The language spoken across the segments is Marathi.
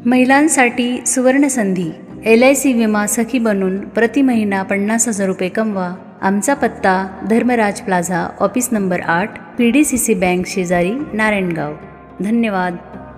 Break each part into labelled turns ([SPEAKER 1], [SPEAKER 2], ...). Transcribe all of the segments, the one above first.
[SPEAKER 1] महिलांसाठी सुवर्णसंधी LIC विमा सखी बनून प्रति महिना 50,000 रुपये कमवा. आमचा पत्ता Dharmaraj plaza, office number 8, PDCC bank शेजारी, नारायणगाव. धन्यवाद.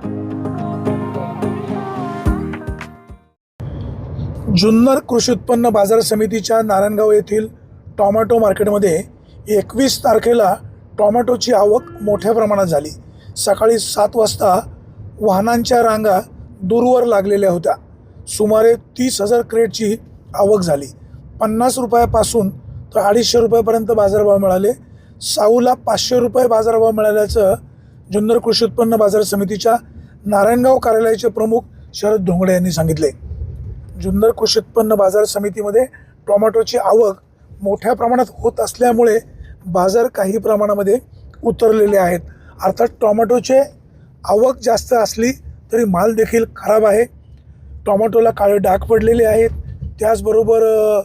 [SPEAKER 2] जुन्नर कृषी उत्पन्न बाजार समितीच्या नारायणगाव येथील टोमॅटो मार्केटमध्ये 21 तारखेला टोमॅटोची आवक मोठ्या प्रमाणात झाली. सकाळी 7 वाजता वाहनांच्या रांगा दूरवर लागलेल्या होत्या. सुमारे 30,000 क्रेटची आवक झाली. 50 रुपयापासून तर 250 रुपयापर्यंत बाजारभाव मिळाले. साऊला 500 रुपये बाजारभाव मिळाल्याचं जुन्नर कृषी उत्पन्न बाजार समितीच्या नारायणगाव कार्यालयाचे प्रमुख शरद धोंगडे यांनी सांगितले. जुन्नर कृषी उत्पन्न बाजार समितीमध्ये टोमॅटोची आवक मोठ्या प्रमाणात होत असल्यामुळे बाजार काही प्रमाणामध्ये उतरलेले आहेत. अर्थात टोमॅटोचे आवक जास्त असली तरी माल देखील खराब आहे. टोमॅटोला काळे डाग पडलेले आहेत, त्याचबरोबर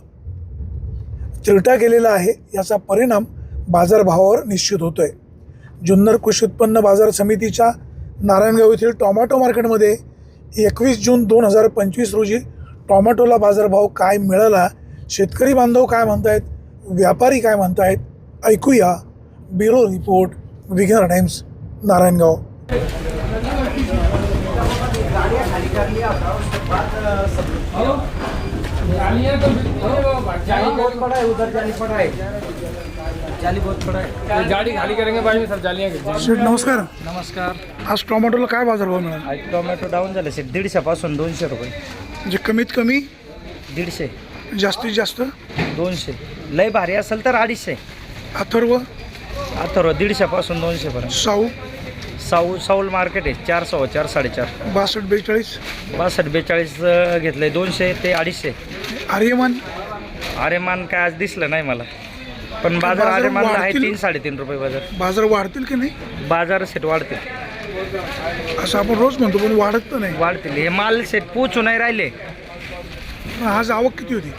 [SPEAKER 2] चिरटा गेलेला आहे. याचा परिणाम बाजारभावावर निश्चित होतो आहे. जुन्नर कृषी उत्पन्न बाजार समितीच्या नारायणगाव येथील टोमॅटो मार्केटमध्ये 21 जून 2025 रोजी टोमॅटोला बाजारभाव काय मिळाला, शेतकरी बांधव काय म्हणतायत, व्यापारी काय म्हणतायत, ऐकूया. Bureau report, Vighnahar times, Narayangaon.
[SPEAKER 3] गाड़ी खाली करेंगे भाई, सब जालियाँ
[SPEAKER 2] शेठ नमस्कार.
[SPEAKER 3] नमस्कार.
[SPEAKER 2] आज टोमॅटोला काय बाजारभाव मिळाला?
[SPEAKER 3] आज टोमॅटो डाऊन झाले सर, 150 पासून 200 रुपये.
[SPEAKER 2] म्हणजे कमीत कमी
[SPEAKER 3] 150,
[SPEAKER 2] जास्तीत जास्त
[SPEAKER 3] 200. लय भारी असेल तर 250.
[SPEAKER 2] अथर्व,
[SPEAKER 3] अथर्व 150 पासून 200 पर्यंत. साऊल मार्केट आहे 400, 4, 4.5.
[SPEAKER 2] 62, 42,
[SPEAKER 3] 62, 42 घेतलंय. 200 ते 250.
[SPEAKER 2] आर्यमान
[SPEAKER 3] आरेमान काय आज दिसलं नाही मला, पण बाजार आरेमानला आहे
[SPEAKER 2] वाढतील?
[SPEAKER 3] 3, 3.5 रुपये बाजार.
[SPEAKER 2] बाजार वाढतील की नाही
[SPEAKER 3] बाजार सेट वाढतील.
[SPEAKER 2] असं आपण रोज म्हणतो, पण वाढत तर नाही.
[SPEAKER 3] वाढतील. हे माल सेट पोचू नाही राहिले.
[SPEAKER 2] पण आज आवक किती होती?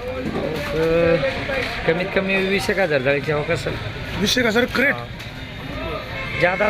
[SPEAKER 3] कमीत कमी 20,000 जायची हो कसं
[SPEAKER 2] 20,000 क्रेट.
[SPEAKER 3] ज्यादा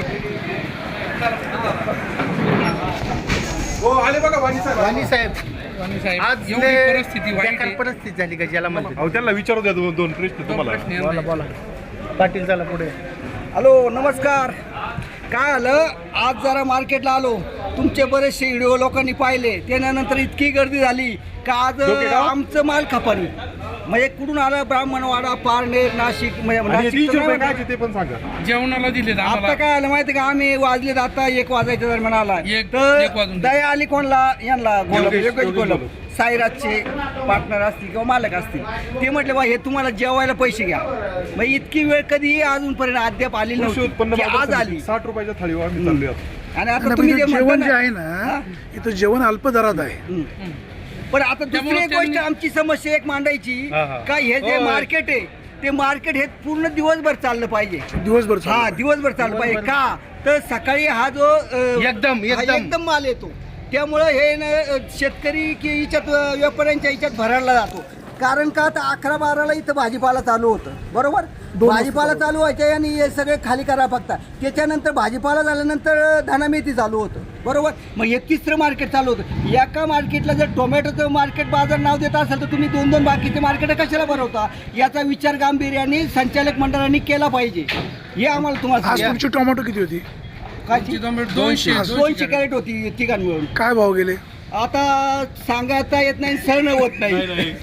[SPEAKER 4] वाणी साहेब आज परिस्थिती झाली का ज्याला म्हणते.
[SPEAKER 5] त्याला विचारू द्या दोन प्रश्न तुम्हाला.
[SPEAKER 4] बोला पाटील चला पुढे.
[SPEAKER 6] हॅलो नमस्कार. काय आलं, आज जरा मार्केटला आलो, तुमचे बरेचसे व्हिडिओ लोकांनी पाहिले, त्यानंतर इतकी गर्दी झाली का आज आमचं माल खपानी. म्हणजे कुठून आलं, ब्राह्मणवाडा, पारनेर, नाशिक.
[SPEAKER 5] काय ते पण सांगा.
[SPEAKER 7] जेवणाला दिले
[SPEAKER 6] आता काय आलं माहिती का, आम्ही वाजले आता 1 वाजायच्या दरम्यान आला तर दया आली कोणला, यांना गोलब साईराजचे पार्टनर असतील किंवा मालक असतील. ते म्हटले बा हे तुम्हाला जेवायला पैसे घ्या. मग इतकी वेळ कधी अजूनपर्यंत अद्याप आली नव्हती, आज आली.
[SPEAKER 5] 60 रुपयाच्या थाळीवर आम्ही चाललोय आता.
[SPEAKER 6] आणि आता तुम्ही जे
[SPEAKER 2] जेवण
[SPEAKER 6] म्हणता
[SPEAKER 2] जे
[SPEAKER 6] ना,
[SPEAKER 2] आहे ना, इथं जेवण अल्प दरात आहे.
[SPEAKER 6] पण आता दुसरी एक गोष्ट आमची समस्या एक मांडायची का, हे जे मार्केट आहे ते मार्केट हे पूर्ण दिवसभर चाललं पाहिजे.
[SPEAKER 2] दिवसभर
[SPEAKER 6] दिवसभर चाललं पाहिजे. का तर सकाळी हा जो एकदम माल येतो, त्यामुळं हे न शेतकरी की याच्यात व्यापाऱ्यांच्या याच्यात भरायला जातो. कारण का आता 11-12ला इथं भाजीपाला चालू होतं, बरोबर. भाजीपाला चालू व्हायच्या आणि हे सगळे खाली करा फक्त. त्याच्यानंतर भाजीपाला झाल्यानंतर धनामेथी चालू होतं, बरोबर. मग हे तिसरं मार्केट चालू होतं. एका मार्केटला जर टोमॅटोचं मार्केट बाजार नाव देत असेल तर तुम्ही 2-2 बाकीचे मार्केट कशाला भरवता? याचा विचार गांभीर्याने संचालक मंडळाने केला पाहिजे. हे आम्हाला तुम्हाला
[SPEAKER 2] आज तुमची टोमॅटो किती होती?
[SPEAKER 6] काय 200 कॅरेट होती तिघां मिळून.
[SPEAKER 2] काय भाव गेले?
[SPEAKER 6] आता सांगायला येत नाही, सण होत नाही.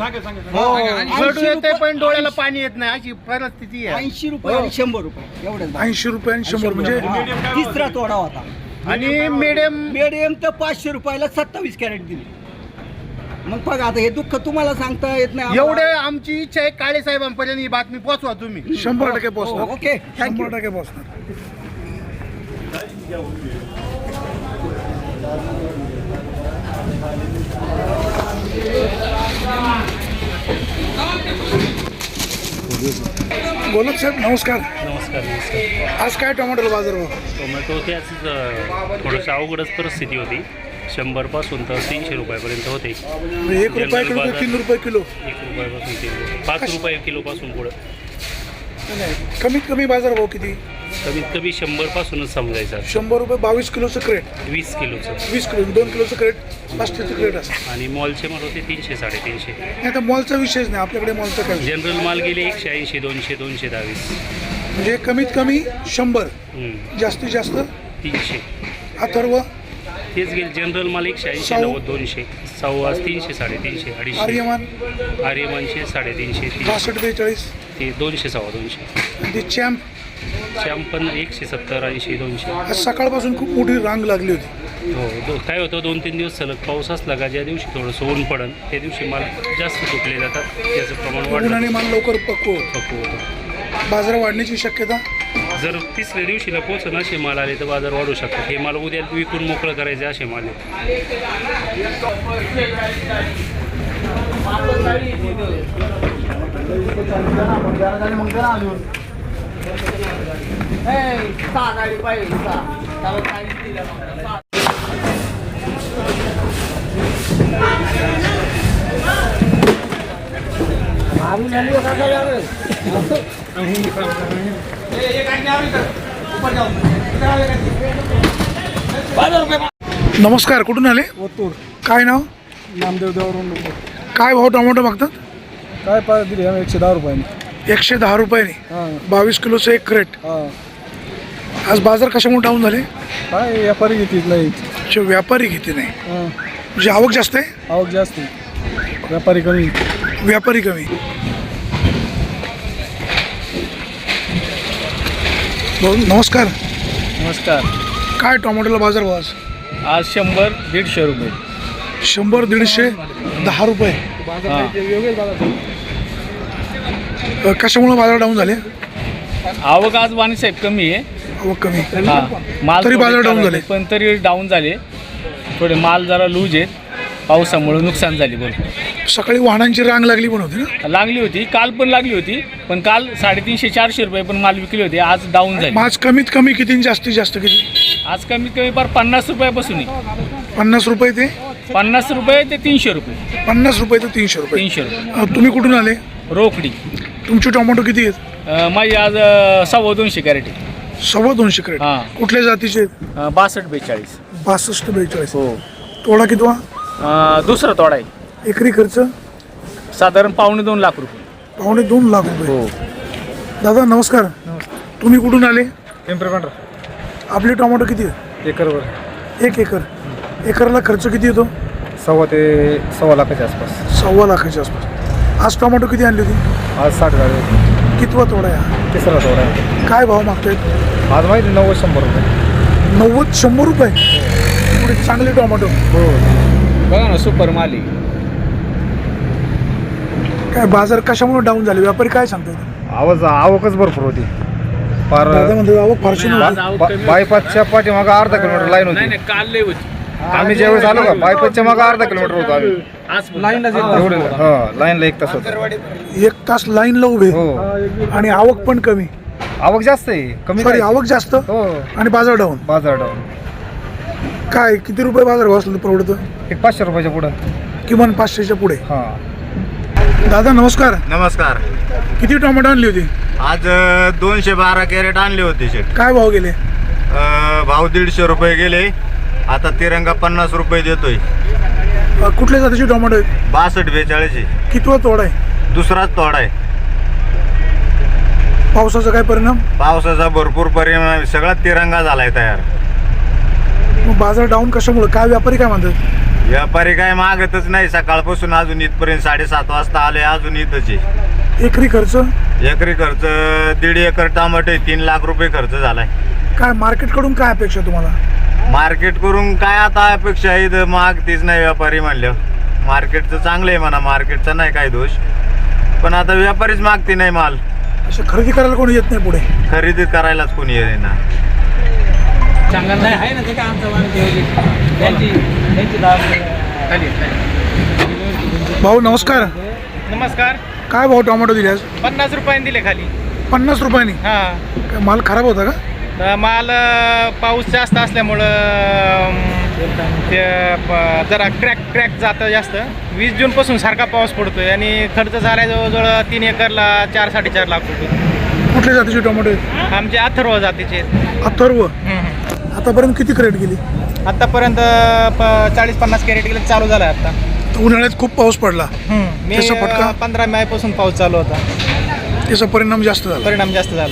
[SPEAKER 4] पण डोळ्याला पाणी येत नाही अशी परिस्थिती आहे.
[SPEAKER 6] 80 रुपये आणि 100 रुपये एवढंच.
[SPEAKER 2] 80 रुपये आणि 100 म्हणजे
[SPEAKER 6] तिसरा तोडा होता.
[SPEAKER 4] आणि
[SPEAKER 6] मीडियम तर 500 रुपयाला 27 कॅरेट दिली. मग बघा आता हे दुःख तुम्हाला सांगता येत नाही.
[SPEAKER 4] एवढे आमची इच्छा आहे काळे साहेबांपर्यंत ही बातमी पोहोचवा तुम्ही.
[SPEAKER 2] 100% पोहोचणार.
[SPEAKER 6] Okay, thank you.
[SPEAKER 2] 100% पोहोचणार. गोलब साहेब नमस्कार.
[SPEAKER 8] नमस्कार.
[SPEAKER 2] आज काय टोमॅटोला बाजारभाव?
[SPEAKER 8] टोमॅटो ते आज थोडंसं अवघडच परिस्थिती होती. 100 पासून तर 300 रुपयापर्यंत होते.
[SPEAKER 2] 1 रुपया किलो, 3 रुपये किलो,
[SPEAKER 8] 1 रुपयापासून 5 रुपये किलोपासून पुढं.
[SPEAKER 2] कमीत कमी बाजारभाव किती?
[SPEAKER 8] कमीत कमी 100पासूनच समजायचं
[SPEAKER 2] 100 रुपये 22 किलोचं क्रेट,
[SPEAKER 8] 20 किलोचं
[SPEAKER 2] 20 किलो 2 किलोचं क्रेट, प्लास्टिकचं क्रेट असतं.
[SPEAKER 8] आणि मॉलचे माल होते 300 350.
[SPEAKER 2] नाही आता मॉलचा विषयच नाही आपल्याकडे, मॉलचा काय विषय?
[SPEAKER 8] जनरल माल गेले 180 200 220.
[SPEAKER 2] म्हणजे कमीत कमी 100, जास्तीत जास्त
[SPEAKER 8] 300
[SPEAKER 2] अथर्व,
[SPEAKER 8] तेच गेले. जनरल माल 180
[SPEAKER 2] साऊ.
[SPEAKER 8] 90 200. साऊ आज 300 350 250.
[SPEAKER 2] आर्यमान
[SPEAKER 8] आर्यमानचे 350
[SPEAKER 2] 62 42,
[SPEAKER 8] ते 200 सव्वा 200.
[SPEAKER 2] आणि ते चॅम्प
[SPEAKER 8] श्याम पण 170 80 200.
[SPEAKER 2] आज सकाळपासून खूप मोठी रांग लागली होती.
[SPEAKER 8] हो काय होतं 2-3 दिवस सलग पाऊस असला का ज्या दिवशी थोडंसं ऊन पडन त्या दिवशी माल जास्त तुटले जातात, त्याचं प्रमाण वाढलं
[SPEAKER 2] उन्हाने माल लवकर पक्व होतो.
[SPEAKER 8] होतं.
[SPEAKER 2] बाजार वाढण्याची शक्यता.
[SPEAKER 8] जर तिसऱ्या दिवशीला पोहोचून असे माल आले तर बाजार वाढू शकतात. हे माल उद्या विकून मोकळं करायचे असे माल आहेत.
[SPEAKER 2] नमस्कार, कुठून आले?
[SPEAKER 7] ओतूर
[SPEAKER 2] काय नाव?
[SPEAKER 7] नामदेव देवरून
[SPEAKER 2] काय भाव टोमॅटो मागतात?
[SPEAKER 7] काय पाहिजे दिली आम्ही 110 रुपयाने.
[SPEAKER 2] 110 रुपयाने
[SPEAKER 7] हां
[SPEAKER 2] 22 किलोचं एक क्रेट.
[SPEAKER 7] हां
[SPEAKER 2] आज बाजार कशामुळे डाऊन झाले?
[SPEAKER 7] काय व्यापारी घेतील नाही.
[SPEAKER 2] जे व्यापारी घेते नाही,
[SPEAKER 7] हां
[SPEAKER 2] म्हणजे आवक जास्त आहे,
[SPEAKER 7] आवक जास्त व्यापारी कमी.
[SPEAKER 2] व्यापारी कमी. भाऊ नमस्कार,
[SPEAKER 7] नमस्कार.
[SPEAKER 2] काय टोमॅटोला बाजार भाव आज?
[SPEAKER 7] आज 100-150 रुपये.
[SPEAKER 2] 100 150 10 रुपये. कशामुळे बाजार डाऊन झाले?
[SPEAKER 7] आवक आज वाणीसाहेब कमी आहे.
[SPEAKER 2] आवक कमी,
[SPEAKER 7] हां माल
[SPEAKER 2] तरी
[SPEAKER 7] थोडे
[SPEAKER 2] बाजार डाऊन
[SPEAKER 7] चालू
[SPEAKER 2] झाले.
[SPEAKER 7] पण तरी डाऊन झाले. थोडे माल जरा लूज आहेत, पावसामुळे नुकसान झाले. बोल
[SPEAKER 2] सकाळी वाहनांची रांग लागली पण होती ना?
[SPEAKER 7] लागली होती, काल पण लागली होती, पण काल 350-400 रुपये पण माल विकले होते. आज डाऊन झाले.
[SPEAKER 2] आज कमीत कमी किती आणि जास्तीत जास्त किती?
[SPEAKER 7] आज कमीत कमी फार 50 रुपयापासून आहे.
[SPEAKER 2] 50 रुपये ते
[SPEAKER 7] 50 रुपये ते 300 रुपये.
[SPEAKER 2] 50 रुपये ते 300 रुपये.
[SPEAKER 7] 300 रुपये
[SPEAKER 2] तुम्ही कुठून आले?
[SPEAKER 7] रोकडी.
[SPEAKER 2] तुमचे टोमॅटो किती आहेत?
[SPEAKER 7] माझी आज 250 कॅरेट आहे.
[SPEAKER 2] 250 क्रेट.
[SPEAKER 7] हां.
[SPEAKER 2] कुठल्या जातीचे?
[SPEAKER 7] 62-42.
[SPEAKER 2] 62-42.
[SPEAKER 7] हो.
[SPEAKER 2] तोडा कितवा?
[SPEAKER 7] दुसरा तोडा आहे.
[SPEAKER 2] एकरी खर्च
[SPEAKER 7] साधारण 2.5 लाख रुपये.
[SPEAKER 2] 2.5 लाख रुपये.
[SPEAKER 7] हो.
[SPEAKER 2] दादा नमस्कार, तुम्ही कुठून आले?
[SPEAKER 7] पिंपरी
[SPEAKER 2] आपले टोमॅटो किती आहेत?
[SPEAKER 7] एकरवर
[SPEAKER 2] 1 एकर. एकरला खर्च किती येतो?
[SPEAKER 7] 1.25 ते 1.25 लाखाच्या आसपास.
[SPEAKER 2] 1.25 लाखाच्या आसपास. आज टोमॅटो किती आणली होती?
[SPEAKER 7] आज 60 झाले.
[SPEAKER 2] कितवा तोडा आहे?
[SPEAKER 7] तिसरा तोडा आहे.
[SPEAKER 2] काय भाव मागतायत?
[SPEAKER 7] आज माहिती 90-100 रुपये.
[SPEAKER 2] 90-100 रुपये. एवढे चांगले टोमॅटो.
[SPEAKER 7] हो बघा ना, सुपर माली.
[SPEAKER 2] काय बाजार कशामुळे डाऊन झाले? व्यापारी काय सांगतात?
[SPEAKER 5] आवकच भरपूर होती. फार
[SPEAKER 2] दादा म्हणतात आवक फारशी नव्हती.
[SPEAKER 5] बायपासच्या पाठीमागं अर्धा किलोमीटर लाईन होती.
[SPEAKER 7] नाही काल लय होती.
[SPEAKER 5] आम्ही ज्यावेळेस आलो का बायपासच्या मागं अर्धा किलोमीटर होतो आम्ही.
[SPEAKER 7] आज लाईनला
[SPEAKER 5] एवढे लाईनला 1 तास होता.
[SPEAKER 2] 1 तास लाईनला उभे
[SPEAKER 5] हो.
[SPEAKER 2] आणि आवक पण कमी.
[SPEAKER 5] आवक जास्त आहे, कमी
[SPEAKER 2] सॉरी,
[SPEAKER 5] काय?
[SPEAKER 2] आवक जास्त
[SPEAKER 5] हो.
[SPEAKER 2] आणि बाजार डाऊन.
[SPEAKER 5] बाजार डाऊन.
[SPEAKER 2] काय किती रुपये बाजार भाव असलं तर परवडतं?
[SPEAKER 5] एक 500 रुपयाच्या पुढं.
[SPEAKER 2] किमान 500च्या पुढे.
[SPEAKER 5] हां.
[SPEAKER 2] दादा नमस्कार,
[SPEAKER 9] नमस्कार.
[SPEAKER 2] किती टोमॅटो आणली होती?
[SPEAKER 9] आज 212 कॅरेट आणले होते शेट.
[SPEAKER 2] काय भाव गेले?
[SPEAKER 9] भाव 150 रुपये गेले. आता तिरंगा 50 रुपये देतोय.
[SPEAKER 2] कुठल्या जातीचे टोमॅटो आहेत?
[SPEAKER 9] 62-42.
[SPEAKER 2] कितवा तोडा आहे?
[SPEAKER 9] दुसराच तोडा आहे.
[SPEAKER 2] पावसाचा काय परिणाम?
[SPEAKER 9] पावसाचा भरपूर परिणाम, सगळा तिरंगा झालाय तयार.
[SPEAKER 2] मग बाजार डाऊन कशामुळे? काय व्यापारी काय म्हणतात?
[SPEAKER 9] व्यापारी काय मागतच नाही. सकाळपासून अजून इथपर्यंत 7:30 वाजता आले, अजून इथंच आहे.
[SPEAKER 2] एकरी खर्च?
[SPEAKER 9] एकरी खर्च 1.5 एकर टमाटे 3 लाख रुपये खर्च झालाय.
[SPEAKER 2] काय मार्केटकडून काय अपेक्षा तुम्हाला?
[SPEAKER 9] मार्केट करून काय आता अपेक्षा आहे? इथं मागतीच नाही व्यापारी म्हणलं. मार्केटचं चांगलं आहे म्हणा, मार्केटचा नाही काय दोष, पण आता व्यापारीच मागते नाही माल.
[SPEAKER 2] असं खरेदी करायला कोणी येत नाही पुढे?
[SPEAKER 9] खरेदी करायलाच कोणी येत ना.
[SPEAKER 2] भाऊ नमस्कार,
[SPEAKER 4] नमस्कार.
[SPEAKER 2] काय भाव टोमॅटो दिले आज?
[SPEAKER 4] 50 रुपयाने दिले खाली.
[SPEAKER 2] 50 रुपयांनी.
[SPEAKER 4] हां.
[SPEAKER 2] काय माल खराब होता का?
[SPEAKER 4] माल पाऊस जास्त असल्यामुळं ते जरा क्रॅक जातं जास्त. 20 जूनपासून सारखा पाऊस पडतोय आणि खर्च झाला जवळजवळ 3 एकरला 4-4.5 लाख रुपये.
[SPEAKER 2] कुठल्या जातीचे टोमॅटो आहेत?
[SPEAKER 4] आमचे अथर्व जातीचे
[SPEAKER 2] अथर्व. आतापर्यंत किती क्रेट गेली?
[SPEAKER 4] आतापर्यंत 40-50 कॅरेट गेले चालू झालं आहे आता.
[SPEAKER 2] उन्हाळ्यात खूप पाऊस पडला,
[SPEAKER 4] मी
[SPEAKER 2] त्याचा फटका?
[SPEAKER 4] 15 मे पासून पाऊस चालू होता,
[SPEAKER 2] त्याचा परिणाम जास्त झाला.
[SPEAKER 4] परिणाम जास्त झाला.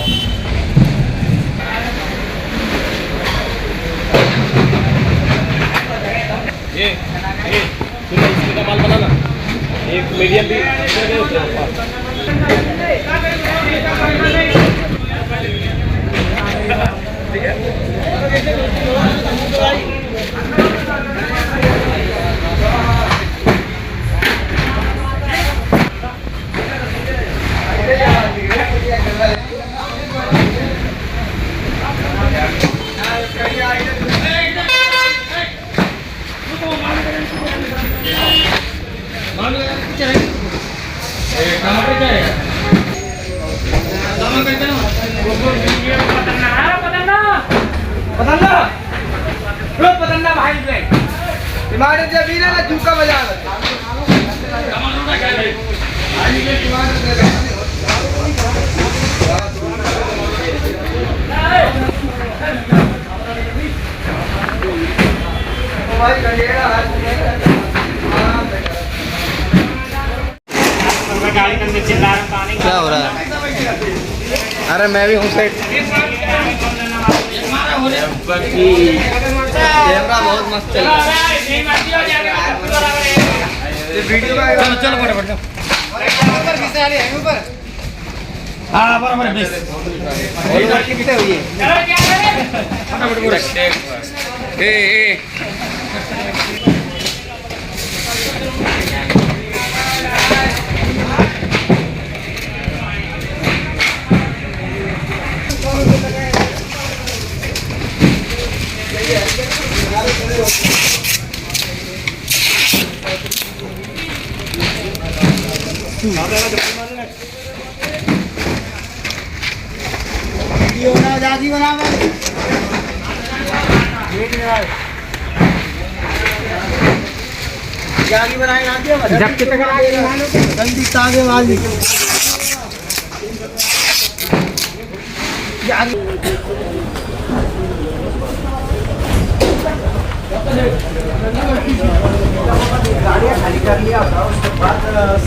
[SPEAKER 4] क्या हो रहा है? अरे मैं भी हूँ सेठ। कैमरा बहुत मस्त चल रहा है। चलो चलो फटाफट हाँ बराबर कितने हुई है? वीडियो बना दादी बना जागी बनाए ना दिया जब कितने का जल्दी तागे वाली गाड़ियाँ खाली कर लिया उसके बाद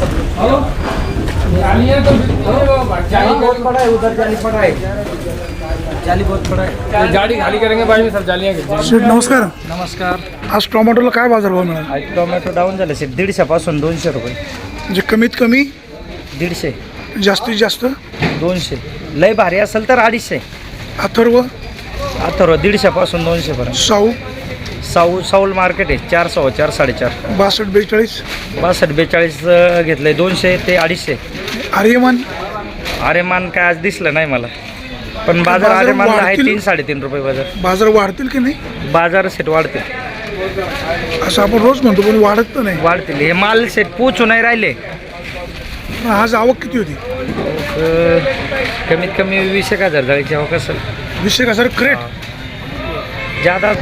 [SPEAKER 4] जाली बहुत बड़ा है, उधर जाली पड़ा है, जाली बहुत बड़ा है।
[SPEAKER 7] गाडी खाली करेंगे भाई मी सर जालियाँ
[SPEAKER 2] शेठ नमस्कार.
[SPEAKER 3] नमस्कार.
[SPEAKER 2] आज टोमॅटोला काय बाजारभाव मिळाला?
[SPEAKER 3] आज टोमॅटो डाऊन झाले साहेब 150 पासून 200 रुपये.
[SPEAKER 2] म्हणजे कमीत कमी,
[SPEAKER 3] 150,
[SPEAKER 2] जास्तीत जास्त
[SPEAKER 3] 200, लय भारी असेल तर 250.
[SPEAKER 2] अथर्व,
[SPEAKER 3] अथर्व 150 पासून 200 पर्यंत. साऊल मार्केट आहे 400, 4, 4.5.
[SPEAKER 2] 62, 42,
[SPEAKER 3] 62, 42 घेतलंय. 200 ते 250.
[SPEAKER 2] आर्यमान
[SPEAKER 3] आरेमान काय आज दिसलं नाही मला, पण बाजार आरेमानला आहे
[SPEAKER 2] वाढतील?
[SPEAKER 3] 3-3.5 रुपये बाजार.
[SPEAKER 2] बाजार वाढतील की नाही?
[SPEAKER 3] बाजार सेट वाढतील.
[SPEAKER 2] असं आपण रोज म्हणतो पण वाढत तर नाही.
[SPEAKER 3] वाढतील. हे माल सेट पोचू नाही राहिले.
[SPEAKER 2] आज आवक किती होती?
[SPEAKER 3] कमीत कमी 20,000 जाळीची आवक असेल.
[SPEAKER 2] 20,000 क्रेट.
[SPEAKER 3] ज्यादा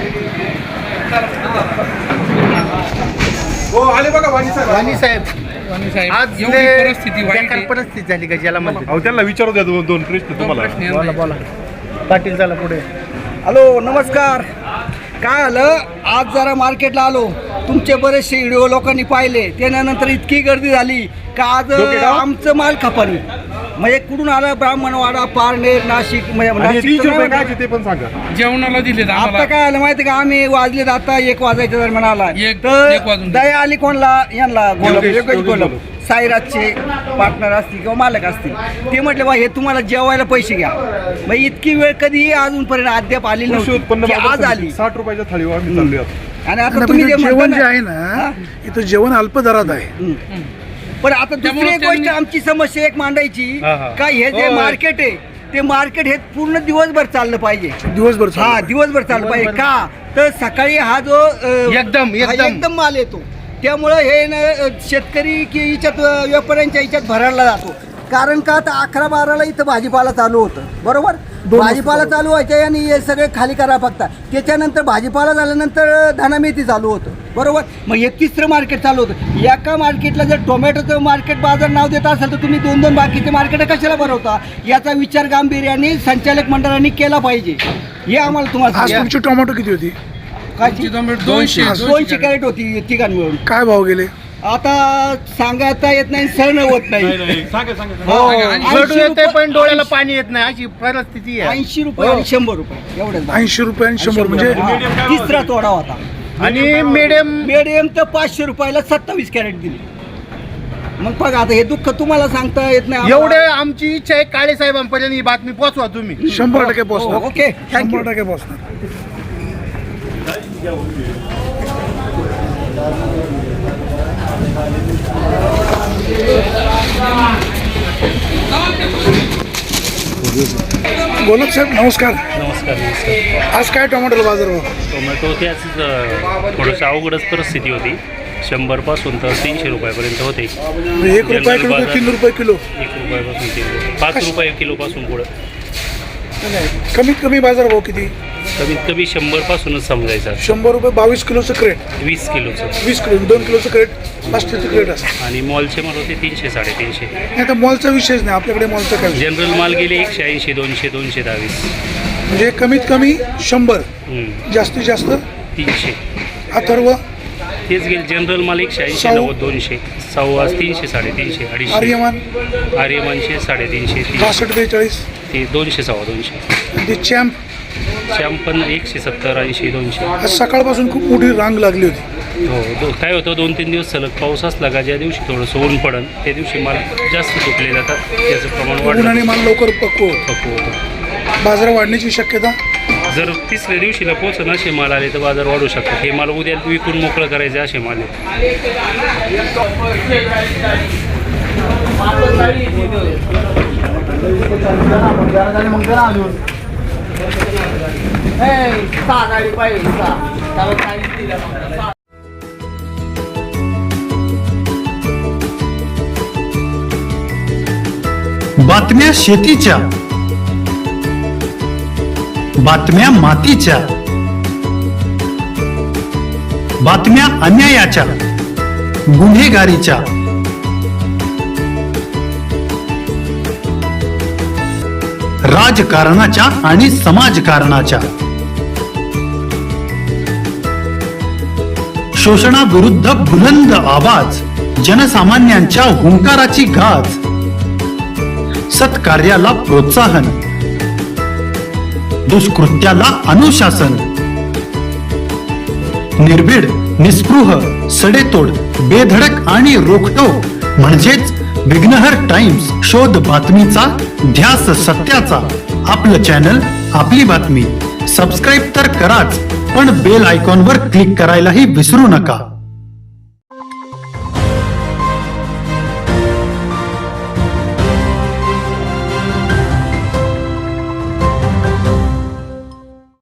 [SPEAKER 4] वाणी साहेब आज
[SPEAKER 7] एवढी परिस्थिती वाईट
[SPEAKER 4] बेकार
[SPEAKER 7] आहे.
[SPEAKER 4] परिस्थिती झाली गजाला म्हणते.
[SPEAKER 10] अहो त्यांना विचारू द्या दोन प्रश्न तुम्हाला.
[SPEAKER 4] बोला बोला पाटील चला पुढे. हॅलो नमस्कार. काय आलं आज जरा मार्केटला आलो, तुमचे बरेचसे व्हिडिओ लोकांनी पाहिले, त्यानंतर इतकी गर्दी झाली का आज आमचं माल खपानी. म्हणजे कुठून आलं? ब्राह्मणवाडा, पारनेर, नाशिक.
[SPEAKER 10] ते पण सांगा.
[SPEAKER 7] जेवणाला दिले
[SPEAKER 4] आता काय आलं माहिती का, आम्ही वाजलेत आता 1 वाजायच्या दरम्यान आला
[SPEAKER 7] एक
[SPEAKER 4] तर
[SPEAKER 7] वाजून
[SPEAKER 4] दया आली कोणला यांना गोलब साईराजचे पार्टनर असतील किंवा मालक असतील. ते म्हटले बा हे तुम्हाला जेवायला पैसे घ्या. मग इतकी वेळ कधीही अजूनपर्यंत अद्याप आली नव्हती, आज आली.
[SPEAKER 10] 60 रुपयाच्या थाळीवर आम्ही चाललोय.
[SPEAKER 4] आणि आता
[SPEAKER 2] पण
[SPEAKER 4] तुम्ही जे
[SPEAKER 2] इथं जेवण
[SPEAKER 4] म्हणता
[SPEAKER 2] जे
[SPEAKER 4] ना,
[SPEAKER 2] आहे ना, इथं जेवण अल्प दरात आहे.
[SPEAKER 4] पण आता दुसरी
[SPEAKER 7] त्यामुळे
[SPEAKER 4] एक गोष्ट
[SPEAKER 7] त्यांनी-
[SPEAKER 4] आमची समस्या एक मांडायची
[SPEAKER 3] हा, हा.
[SPEAKER 4] का हे जे मार्केट आहे ते मार्केट हे पूर्ण दिवसभर चाललं पाहिजे.
[SPEAKER 2] दिवसभर
[SPEAKER 4] हा
[SPEAKER 2] चालू.
[SPEAKER 4] दिवसभर चाललं पाहिजे. का तर सकाळी हा जो एकदम माल येतो, त्यामुळं हे शेतकरी की याच्यात व्यापाऱ्यांच्या याच्यात भरायला जातो.
[SPEAKER 6] कारण का आता 11-12ला इथं भाजीपाला चालू होतं, बरोबर. भाजीपाला चालू व्हायचे आणि हे सगळे खाली करा फक्त. त्याच्यानंतर भाजीपाला झाल्यानंतर धनामेथी चालू होतं, बरोबर. मग हे तिसरं मार्केट चालू होतं. एका मार्केटला जर टोमॅटोचं मार्केट बाजार नाव देत असेल तर तुम्ही 2-2 बाकीचे मार्केट कशाला भरवता? याचा विचार गांभीर्याने संचालक मंडळाने केला पाहिजे. हे आम्हाला तुम्हाला
[SPEAKER 2] आज तुमची टोमॅटो किती होती?
[SPEAKER 6] काय 200 कॅरेट होती तिघां मिळून.
[SPEAKER 2] काय भाव गेले?
[SPEAKER 6] आता सांगायता येत नाही, सण होत नाही.
[SPEAKER 5] पण डोळ्याला पाणी येत नाही अशी परिस्थिती आहे.
[SPEAKER 6] 80 रुपये आणि 100 रुपये एवढंच.
[SPEAKER 2] 80 रुपये आणि 100 म्हणजे
[SPEAKER 6] तिसरा तोडा होता.
[SPEAKER 5] आणि
[SPEAKER 6] मीडियम तर 500 रुपयाला 27 कॅरेट दिली. मग बघा आता हे दुःख तुम्हाला सांगता येत नाही.
[SPEAKER 5] एवढे आमची इच्छा आहे काळे साहेबांपर्यंत ही बातमी पोहोचवा तुम्ही.
[SPEAKER 2] 100% पोहोचणार.
[SPEAKER 6] Okay, thank you.
[SPEAKER 2] 100% पोहोचणार. गोलक साहेब नमस्कार.
[SPEAKER 3] नमस्कार.
[SPEAKER 2] आज काय टोमॅटोला बाजार भाव?
[SPEAKER 3] टोमॅटो त्याच थोडंसं अवघडच परिस्थिती होती. 100 पासून तर 300 रुपयापर्यंत होते.
[SPEAKER 2] 1 रुपया किलो ते 3 रुपये किलो.
[SPEAKER 3] 1 रुपयापासून 5 रुपये किलोपासून पुढं.
[SPEAKER 2] कमीत कमी बाजार भाव किती?
[SPEAKER 3] कमीत कमी 100 पासूनच समजायचं.
[SPEAKER 2] 100 रुपये 22 किलोचं क्रेट.
[SPEAKER 3] 20 किलोचं.
[SPEAKER 2] 20 किलो 2 किलोचं क्रेट, प्लास्टिकचं क्रेट असतं.
[SPEAKER 3] आणि मॉलचे माल होते 300-350.
[SPEAKER 2] नाही तर मॉलचा विषयच नाही आपल्याकडे. मॉलचा काय विषय?
[SPEAKER 3] जनरल माल गेले 180, 200, 220.
[SPEAKER 2] म्हणजे कमीत कमी 100, जास्तीत जास्त
[SPEAKER 3] 300.
[SPEAKER 2] अथर्व
[SPEAKER 3] तेच गेले जनरल माल 180, 90, 200. सव्वा 300, 350, 250.
[SPEAKER 2] आर्यमान
[SPEAKER 3] आर्यमानशे 350,
[SPEAKER 2] 62-43.
[SPEAKER 3] ते 200, 250.
[SPEAKER 2] ते चॅम्प
[SPEAKER 3] शॅम्प पण 170, 80, 200.
[SPEAKER 2] आज सकाळपासून खूप मोठी रांग लागली होती.
[SPEAKER 3] हो. काय होतं 2-3 दिवस सलग पाऊस असला का ज्या दिवशी थोडंसं ऊन पडन त्या दिवशी माल जास्त तुटले जातात. त्याचं प्रमाण वाढलं.
[SPEAKER 2] उन्हाने माल लवकर पक्व
[SPEAKER 3] होतं.
[SPEAKER 2] बाजार वाढण्याची शक्यता.
[SPEAKER 3] जर तिसऱ्या दिवशीला पोहोचन असे माल आले तर बाजार वाढू शकतात. हे माल उद्या विकून मोकळं करायचे असे माल आहेत.
[SPEAKER 11] बातम्या शेतीच्या, बातम्या मातीच्या, बातम्या अन्यायाच्या, गुन्हेगारीच्या, राजकारणाच्या आणि समाजकारणाच्या, शोषणाविरुद्ध बुलंद आवाज, जनसामान्यांच्या हुंकाराची गाज, सत्कार्याला प्रोत्साहन, दुष्कृत्याला अनुशासन, निर्भीड, निस्पृह, सडेतोड, बेधडक आणि रोखटोक म्हणजेच विघ्नहर टाइम्स. शोध बातमीचा, ध्यास सत्याचा. आपलं चॅनल, आपली बातमी. सबस्क्राईब तर कराच, पण बेल आयकॉनवर क्लिक करायलाही विसरू नका.